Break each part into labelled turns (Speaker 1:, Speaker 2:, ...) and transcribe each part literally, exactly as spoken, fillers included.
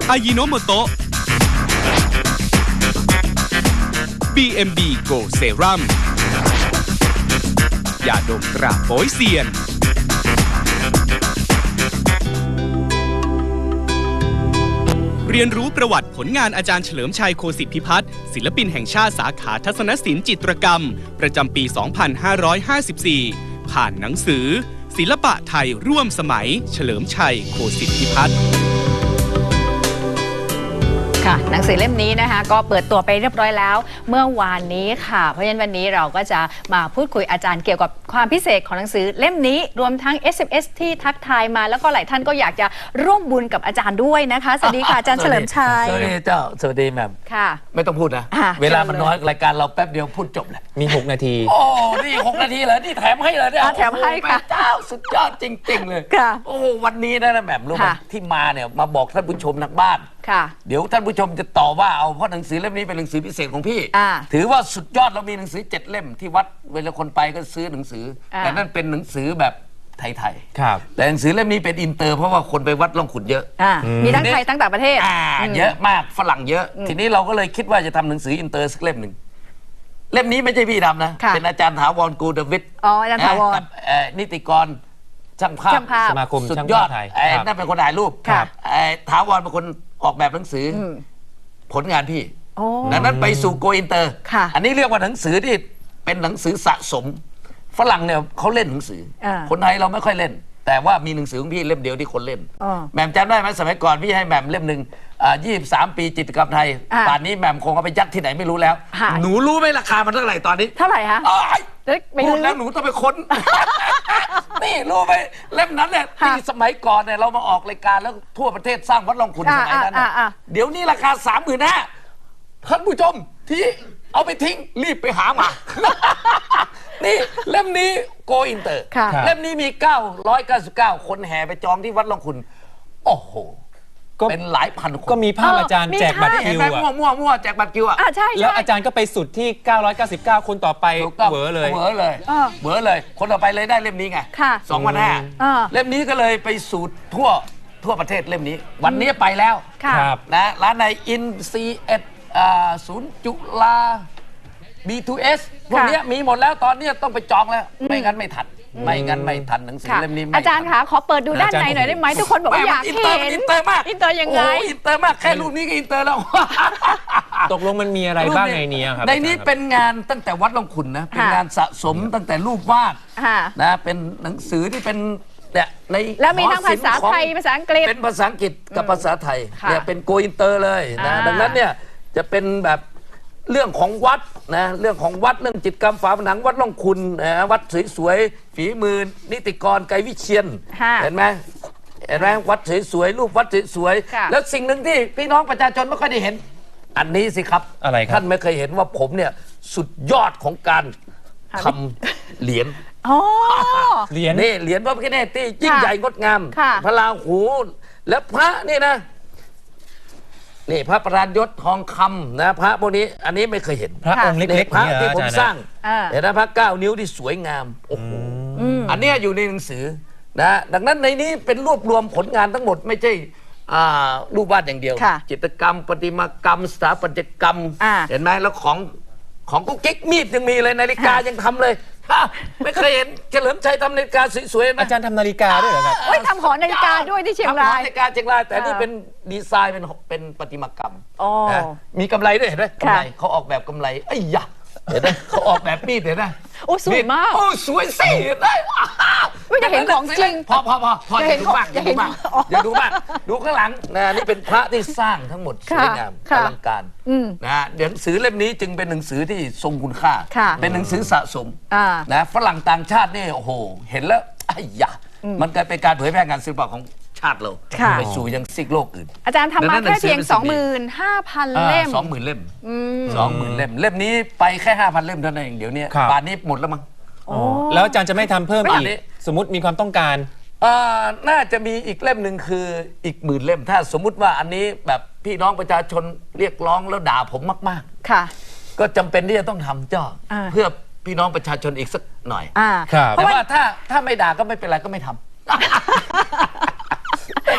Speaker 1: อายิโนโมโตะ บี เอ็ม บี Go Serum ยาดมตราโป๊ยเซียนเรียนรู้ประวัติผลงานอาจารย์เฉลิมชัยโคสิทธิพิพัฒน์ศิลปินแห่งชาติสาขาทัศนศิลป์จิตรกรรมประจำปี สองพันห้าร้อยห้าสิบสี่ ผ่านหนังสือศิลปะไทยร่วมสมัยเฉลิมชัยโคสิทธิพิพัฒน์
Speaker 2: หนังสือเล่มนี้นะคะก็เปิดตัวไปเรียบร้อยแล้วเมื่อวานนี้ค่ะเพราะฉะนั้นวันนี้เราก็จะมาพูดคุยอาจารย์เกี่ยวกับความพิเศษของหนังสือเล่มนี้รวมทั้ง เอส เอ็ม เอส ที่ทักทายมาแล้วก็หลายท่านก็อยากจะร่วมบุญกับอาจารย์ด้วยนะคะสวัสดีค่ะอาจารย์เฉลิมชัย
Speaker 3: สวัสดีเจ้าสวัสดีแม่
Speaker 2: ค่ะ
Speaker 3: ไม่ต้องพูดนะเวลามันน้อยรายการเราแป๊บเดียวพูดจบแหละ
Speaker 4: มีหกนาที
Speaker 3: โอ้นี่หกนาทีเหรอนี่แถมให้เลยเนี่ย
Speaker 2: แถมให้ค่ะ
Speaker 3: เจ้าสุดยอดจริงๆเลยโอ้วันนี้นะแม่รู้ไหมที่มาเนี่ยมาบอกท่านผู้ชมทางบ้านเดี๋ยวท่านผู้ชมจะต่อว่าเอาเพราะหนังสือเล่มนี้เป็นหนังสือพิเศษของพี่ถือว่าสุดยอดเรามีหนังสือเจ็ดเล่มที่วัดเวลาคนไปก็ซื้อหนังสือแต่นั่นเป็นหนังสือแบบไทยๆแต่หนังสือเล่มนี้เป็นอินเตอร์เพราะว่าคนไปวัดล่องขุนเยอะ
Speaker 2: มีทั้งไทยทั้งต่างประเทศ
Speaker 3: เยอะมากฝรั่งเยอะทีนี้เราก็เลยคิดว่าจะทำหนังสืออินเตอร์สักเล่มหนึ่งเล่มนี้ไม่ใช่พี่ทำนะเป็นอาจารย์ถาวรกูเดวิด
Speaker 2: อ๋ออาจารย์ถาวร
Speaker 3: กับนิติกรช่างภาพ
Speaker 4: สมาคม
Speaker 3: สุดยอดนั่นเป็นคนถ่ายรูปถาวรเป็นคนออกแบบหนังสือผลงานพี่ดังนั้นไปสู่โกอินเตอร์อันนี้เรียกว่าหนังสือที่เป็นหนังสือสะสมฝรั่งเนี่ยเขาเล่นหนังสือคนไทยเราไม่ค่อยเล่นแต่ว่ามีหนังสือของพี่เล่มเดียวที่คนเล่นแหม่มจำได้ไหมสมัยก่อนพี่ให้แหม่มเล่มหนึ่งยี่สิบสามปีจิตรกรรมไทยป่านนี้แหม่มคงเอาไปยัดที่ไหนไม่รู้แล้วหนูรู้ไหมราคามันเท่าไหร่ตอนนี้
Speaker 2: เท่าไหร่คะ
Speaker 3: พูดแล้วหนูต้องไปค้นนี่รู้ไหมเล่มนั้นเนี่ยที่สมัยก่อนเนี่ยเรามาออกรายการแล้วทั่วประเทศสร้างวัดล่องขุนสมัยนั้นเดี๋ยวนี้ราคาสามหมื่นห้าท่านผู้ชมที่เอาไปทิ้งรีบไปหามานี่เล่มนี้โกอินเตอร์เล่มนี้มีเก้าร้อยเก้าสิบเก้าคนแห่ไปจองที่วัดล่องขุนโอ้โหเป็นหลายพันคน
Speaker 4: ก็มีภาพอาจารย์แจกบัตรคิวอะ
Speaker 3: มั่วมั่วมั่วแจกบัตรคิวอะ
Speaker 4: แล้วอาจารย์ก็ไปสุดที่เก้าร้อยเก้าสิบเก้าคนต่อไปเวอเลย
Speaker 3: เวอเลยเวอเลยคนต่อไปเลยได้เล่มนี้ไงสองพันห้าเล่มนี้ก็เลยไปสู่ทั่วทั่วประเทศเล่มนี้วันนี้ไปแล้วนะร้านในอินซีเอ็ดศูนย์จุฬา บี ทู เอส พวกนี้มีหมดแล้วตอนนี้ต้องไปจองแล้วไม่งั้นไม่ทันไม่งั้นไม่ทันหนังสือเล่มนี้
Speaker 2: อาจารย์คะขอเปิดดูด้านในหน่อยได้ไหมทุกคนบอกว่าอยากเห็น
Speaker 3: อินเตอร์มาก
Speaker 2: อินเตอร์ยังไง
Speaker 3: อินเตอร์มากแค่รูปนี้ก็อินเตอร์แล้ว
Speaker 4: ตกลงมันมีอะไรบ้างในนี้ครับ
Speaker 3: ในนี้เป็นงานตั้งแต่วัดล่องขุนนะเป็นงานสะสมตั้งแต่รูปวาดนะเป็นหนังสือที่เป็นเนี่ยใน
Speaker 2: แล้วมีทั้งภาษาไทยภาษาอังกฤษ
Speaker 3: เป็นภาษาอังกฤษกับภาษาไทยเนี่ยเป็นโกอินเตอร์เลยนะดังนั้นเนี่ยจะเป็นแบบเรื่องของวัดนะเรื่องของวัดเรื่องจิตรกรรมฝาผนังวัดล่องขุนนะวัดสวยๆฝีมือนิติกรไกรวิเชียนเห็นไหมเห็นไหมวัดสวยๆรูปวัดสวยๆแล้วสิ่งหนึ่งที่พี่น้องประชาชนไม่ค่อยได้เห็นอันนี้สิครับ
Speaker 4: อะไรครับ
Speaker 3: ท่านไม่เคยเห็นว่าผมเนี่ยสุดยอดของการทำเหรียญ
Speaker 4: เหรียญ
Speaker 3: นี่เหรียญพระพิฆเนศที่ยิ่งใหญ่งดงามพระราหูและพระนี่นะนี่พระประธานยศทองคำนะพระพวกนี้อันนี้ไม่เคยเห็น
Speaker 4: พระองค์เล็ก
Speaker 3: ๆพระที่ผมสร้างเห็นนะพระเก้านิ้วที่สวยงามโอ้โหอันนี้อยู่ในหนังสือนะดังนั้นในนี้เป็นรวบรวมผลงานทั้งหมดไม่ใช่รูปวาดอย่างเดียวจิตรกรรมประติมากรรมสถาปัตยกรรมเห็นไหมแล้วของของกุ๊กกิ๊กมีดยังมีเลยนาฬิกายังทำเลยไม่เคยเห็นเฉลิมชัยทำนาฬิกาสวยๆนะ
Speaker 4: อาจารย์ทำนาฬิกาด้วยเหรอครับ
Speaker 2: โอ้ยทำหอนาฬิกาด้วยที่เชียงราย
Speaker 3: นาฬิกาเชียงรายแต่นี่เป็นดีไซน์เป็นเป็นประติมากรรมมีกำไรด้วยเห็นไหมกำไรเขาออกแบบกำไรไอ้ยะเห็นไหมเขาออกแบบมีดเห็นไหม
Speaker 2: โอ้สวยมาก
Speaker 3: โอ้สวยสิได้
Speaker 2: ไม่จะเห็นของจริง
Speaker 3: พอพอพอพออย่าดูมากอย่าดูมากอย่าดูมากดูข้างหลังนะนี่เป็นพระที่สร้างทั้งหมดสวยงามอลังการนะหนังสือเล่มนี้จึงเป็นหนังสือที่ทรงคุณค่าเป็นหนังสือสะสมนะฝรั่งต่างชาตินี่โอ้โหเห็นแล้วไอ้ยะมันกลายเป็นการเผยแพร่งานศิลปะของชาติเราไปสู่ยังซีกโลกอื่น
Speaker 2: อาจารย์ทำมาแค่เพียง สองหมื่นห้าพัน เล่ม
Speaker 3: สองหมื่นเล่มสองหมื่นเล่มเล่มนี้ไปแค่ห้าพันเล่มเท่านั้นเองเดี๋ยวนี้ป่านนี้หมดแล้วมั้ง
Speaker 4: แล้วอาจารย์จะไม่ทำเพิ่มอีกสมมติมีความต้องการ
Speaker 3: น่าจะมีอีกเล่มหนึ่งคืออีกหมื่นเล่มถ้าสมมุติว่าอันนี้แบบพี่น้องประชาชนเรียกร้องแล้วด่าผมมาก
Speaker 2: ๆค่ะ
Speaker 3: ก็จำเป็นที่จะต้องทำเจ้าเพื่อพี่น้องประชาชนอีกสักหน่อย
Speaker 4: แต่
Speaker 3: ว่าถ้าถ้าไม่ด่าก็ไม่เป็นไรก็ไม่ทำ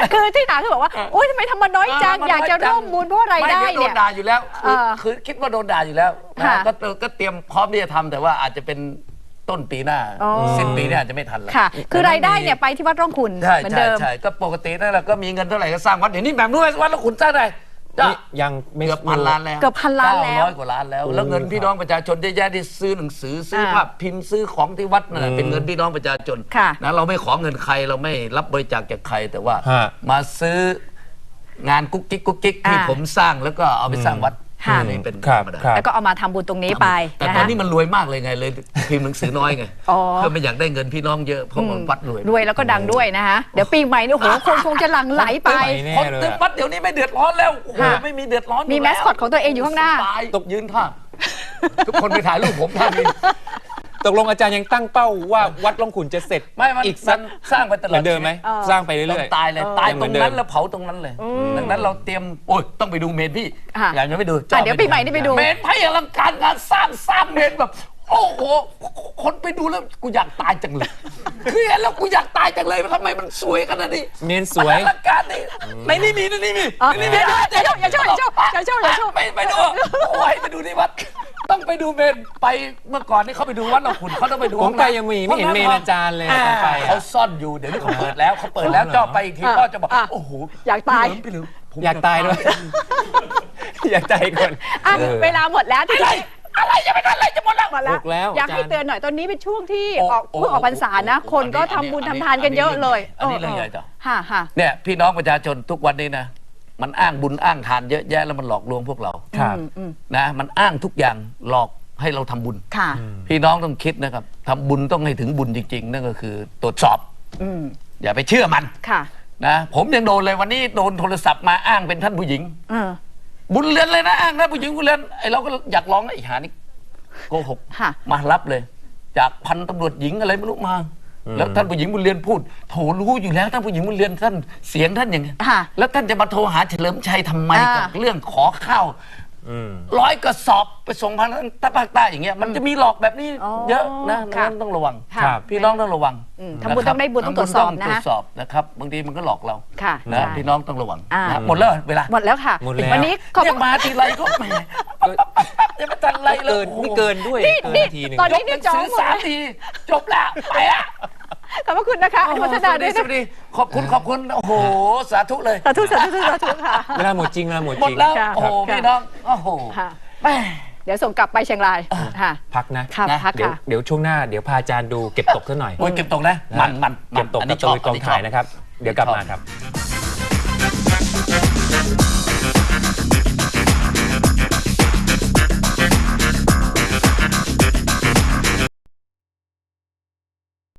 Speaker 2: คือที่ถามคือบอกว่าโอ๊ยทำไมทำมาน้อยจัง
Speaker 3: เออมัน
Speaker 2: อยากจะ
Speaker 3: น้อยจัง
Speaker 2: ร่วมบุญเพราะรายได้
Speaker 3: ม่ดี๋วโด
Speaker 2: เนี่ย
Speaker 3: นด่าอยู่แล้วคือ
Speaker 2: เออ
Speaker 3: คือคิดว่าโดนด่าอยู่แล้วนะ
Speaker 2: ค่ะ
Speaker 3: ก็ก็เตรียมพร้อมที่จะทำแต่ว่าอาจจะเป็นต้นปีหน้า
Speaker 2: อ๋อ
Speaker 3: สิ้นปีเนี่ยอาจจะไม่ทันแล้ว
Speaker 2: ค่ะ คือรายได้เนี่ยไปที่วัดร่องขุน
Speaker 3: ใช่
Speaker 2: เหมือน
Speaker 3: ใช่
Speaker 2: เดิม
Speaker 3: ใช่ก็ปกตินั่นแหละก็มีเงินเท่าไหร่ก็สร้างวัดเดี๋ยวนี้แบบนู้นวัดแล้วขุนสร้างได้จ้ะ
Speaker 4: นี่ยังไม่
Speaker 3: เกือบพันล้านแล้ว
Speaker 2: เกือบพันล้านแล้ว
Speaker 3: เก้ร้อยกว่าล้านแล้ว แล้วเงินพี่น้องประชาชนเยอะแยะที่ซื้อหนังสือซื้อ
Speaker 2: อ่า
Speaker 3: ภาพพิมพ์ซื้อของที่วัดนั่นแหละเป็นเงินพี่น้องประชาชน
Speaker 2: ค่ะ
Speaker 3: นะเราไม่ขอเงินใครเราไม่รับบริจาคจากใครแต่ว่า
Speaker 4: ฮะ
Speaker 3: มาซื้องานกุ๊กกิ๊กกุ๊กกิ๊กที่
Speaker 2: อ่า
Speaker 3: ผมสร้างแล้วก็เอาไปสร้างวัด
Speaker 2: ค่ะ
Speaker 3: นี่เป็น
Speaker 4: ครั
Speaker 3: ธ
Speaker 4: บ
Speaker 3: รรมดา
Speaker 4: ครับ
Speaker 2: แล้วก็เอามาทำบุญตรงนี้ไป
Speaker 3: แต่
Speaker 2: นะ
Speaker 3: ตอน
Speaker 2: คะ
Speaker 3: นี้มันรวยมากเลยไงเลยพิมพ์หนังสือน้อยไง
Speaker 2: อ๋อ
Speaker 3: เพื่อไม่อยากได้เงินพี่น้องเยอะเพราะมันวัดรวย
Speaker 2: รวยแล้วก็ดังด้วยนะคะเดี๋ยวปีใหม่เนี่ยโอ้โหคนคงจะหลั่งไหลไป
Speaker 4: ไปแน่
Speaker 3: คน
Speaker 4: เลย
Speaker 3: เต็ม
Speaker 4: อะ
Speaker 3: วัดเดี๋ยวนี้ไม่เดือดร้อนแล้วโอ้โห
Speaker 2: ค่ะ
Speaker 3: ไม่มีเดือดร้อน
Speaker 2: มี
Speaker 3: ยู่
Speaker 2: แม
Speaker 3: ล้ว
Speaker 2: สคอตของตัวเองอยู่ข้างหน้า
Speaker 3: สบยตบยืนท่าทุกคนไปถ่ายรูปผมท่านี้
Speaker 4: ตกลงอาจารย์ยังตั้งเป้าว่าวัดร่องขุนจะเสร็จ
Speaker 3: ไม่มัน
Speaker 4: อีกสั
Speaker 3: มั
Speaker 4: ก
Speaker 3: นสร้างไปตลอด
Speaker 4: เหมือนเดิมไหม
Speaker 2: เออ
Speaker 4: สร้างไป
Speaker 3: ต้อ
Speaker 4: เรื่อย
Speaker 3: งตายเลย
Speaker 2: เออ
Speaker 3: ตาย
Speaker 4: ยังเห
Speaker 3: ต
Speaker 4: มื
Speaker 3: ร
Speaker 4: อน
Speaker 3: ง
Speaker 4: เดิม
Speaker 3: นั้นแล้วเผาตรงนั้นเลย ดังนั้นเราเตรียมโอ้ยต้องไปดูเมนพี่
Speaker 2: ค่ะ
Speaker 3: อยากจะไปดู
Speaker 2: อ่ะเดี๋ยวปีใหม่นี่ไปดู
Speaker 3: เมนไพ่อลังการงานสร้างสร้างเมนแบบ โอ้โหคนไปดูแล้วกูอยากตายจังเลยคือเห็นแล้วกูอยากตายจังเลยทำไมมันสวยขนาดนี้
Speaker 4: เมนสวย
Speaker 3: อลังการนี่ในนี่มีในนี่มี
Speaker 2: อ๋อ
Speaker 3: ในนี่มี
Speaker 2: อย่าอย่าอย่าอย่าอย่าอย่าอย่าอย่าอย่า
Speaker 3: ไปไปดูโอ้ยไปดูที่วัดต้องไปดูเมนไปเมื่อก่อนนี่เขาไปดูวัดเราขุนเขาต้องไปดู
Speaker 4: ผมไปยังมีไม่เห็นเมนอาจารย์เลยตอนไปอะ
Speaker 3: เขาซ่อนอยู่เดี๋ยวนี้เขาเปิดแล้วเขาเปิดแล้วเจ้าไปอีกทีก็จะบอก
Speaker 2: อ่ะ
Speaker 3: โอ้โห
Speaker 2: อยากตาย
Speaker 3: พี่หลิวผม
Speaker 4: อยากตายด้วย อยากตายก่อน
Speaker 2: อ่ะ
Speaker 4: เออ
Speaker 2: เวลาหมดแล้วที่
Speaker 3: อะไรอะไรจะไปทำอะไรจะหมดแล้ว
Speaker 2: หมดแล้ว
Speaker 4: หมดแล้ว
Speaker 2: อยากให้
Speaker 4: อาจารย์
Speaker 2: เตือนหน่อยตอนนี้เป็นช่วงที่
Speaker 3: โอ้
Speaker 2: ออก
Speaker 3: โอ้
Speaker 2: เพิ่งออกพรรษานะ
Speaker 3: โอ้
Speaker 2: คนก็
Speaker 3: อันนี้
Speaker 2: ทำบุญ
Speaker 3: อันนี้
Speaker 2: ทำทานกันเยอะเลย
Speaker 3: อันนี้เรื่องใหญ่จ้ะ
Speaker 2: ค่ะค่ะ
Speaker 3: เนี่ยพี่น้องประชาชนทุกวันนี้นะมันอ้างบุญอ้างทานเยอะแยะแล้วมันหลอกลวงพวกเรา
Speaker 4: ครับ
Speaker 2: อืมอืม
Speaker 3: นะมันอ้างทุกอย่างหลอกให้เราทำบุญ
Speaker 2: ค่ะ
Speaker 3: พี่น้องต้องคิดนะครับทำบุญต้องให้ถึงบุญจริง ๆ นั่นก็คือตรวจสอบ
Speaker 2: อืม
Speaker 3: อย่าไปเชื่อมัน
Speaker 2: ค่ะ
Speaker 3: นะผมยังโดนเลยวันนี้โดนโทรศัพท์มาอ้างเป็นท่านผู้หญิง
Speaker 2: เออ
Speaker 3: บุญเรือนเลยนะอ้างนะผู้หญิงบุญเรือนไอเราก็อยากร้องนะไอหานี่โกหก
Speaker 2: ค่ะ
Speaker 3: มารับเลย จากพันตำรวจหญิงอะไรไม่รู้มา แล้วท่านผู้หญิงบุญเรือนพูดโถรู้อยู่แล้วท่านผู้หญิงบุญเรือนท่านเสียงท่านอย่างนี้
Speaker 2: ค่ะ
Speaker 3: แล้วท่านจะมาโทรหาเฉลิมชัยทำไม
Speaker 2: อ่า
Speaker 3: กับเรื่องขอข้าว
Speaker 4: อืม
Speaker 3: ร้อยกระสอบไปส่งพันตะภาคใต้อย่างเงี้ยมันจะมีหลอกแบบนี้
Speaker 2: อ๋อ
Speaker 3: เยอะนะ
Speaker 2: ค่ะ
Speaker 3: นั้นต้องระวัง
Speaker 2: ค่ะ
Speaker 4: ครับ
Speaker 3: พี่น้องต้องระวัง
Speaker 2: อืมทำบุญต้องได้บุญต้องตรวจสอบ
Speaker 3: ทำญ
Speaker 2: นะ
Speaker 3: ตรวจสอบนะครับบางทีมันก็หลอกเรา
Speaker 2: ค่ะ
Speaker 3: นะ
Speaker 2: ใช่
Speaker 3: พี่น้องต้องระวัง
Speaker 2: อ่า
Speaker 3: นะหมดแล้วเวลา
Speaker 2: หมดแล้วค่ะ
Speaker 4: หมดแล้ว
Speaker 2: วันนี้ขอบ
Speaker 3: เนี่
Speaker 2: คุ
Speaker 3: ย
Speaker 2: ณ
Speaker 3: มาทีไรก็แหมจะมาจันไรเลย
Speaker 4: เกินนี่เกินด้วย
Speaker 2: นี่
Speaker 4: เกิน
Speaker 2: นี่
Speaker 4: นาทีหนึ่ง
Speaker 2: ตอน
Speaker 3: ย
Speaker 2: นี้
Speaker 3: กหนังสือสามทีจบแล้วไปอ่ะ
Speaker 2: ขอบพระคุณนะคะอนุโมทนาด้วย
Speaker 3: ส
Speaker 2: นะ
Speaker 3: วัสดีขอบคุณขอบคุณโอ้โหสาธุเลย
Speaker 2: สาธุสาธุสาธุค่ะ
Speaker 4: เวลาหมดจริงเวลาหมด
Speaker 3: หม
Speaker 4: จ
Speaker 3: ด
Speaker 4: ริง
Speaker 3: แล้ว
Speaker 2: ค่ะ
Speaker 3: โอ้โห
Speaker 2: ค่ะ
Speaker 3: พี่น้องโอ้โห
Speaker 2: ค่ะ
Speaker 3: แม่
Speaker 2: เดี๋ยวส่งกลับไปเชียงรายค่ะ
Speaker 4: พักนะ
Speaker 2: ค่ะ
Speaker 3: นะ
Speaker 2: พัก
Speaker 4: เดี๋ยว
Speaker 2: ค่ะ
Speaker 4: เดี๋ยวช่วงหน้าเดี๋ยวพาอาจารย์ดูเก็บตกซะหน่อย
Speaker 3: โอ้ยเก็บตกนะมันมัน
Speaker 4: เก็บตก
Speaker 3: อัน
Speaker 4: กั
Speaker 3: นี้
Speaker 4: บ
Speaker 3: ช
Speaker 4: ต
Speaker 3: อบ
Speaker 4: กกองถ่ายนะครับ เดี๋ยวกลับมาครับ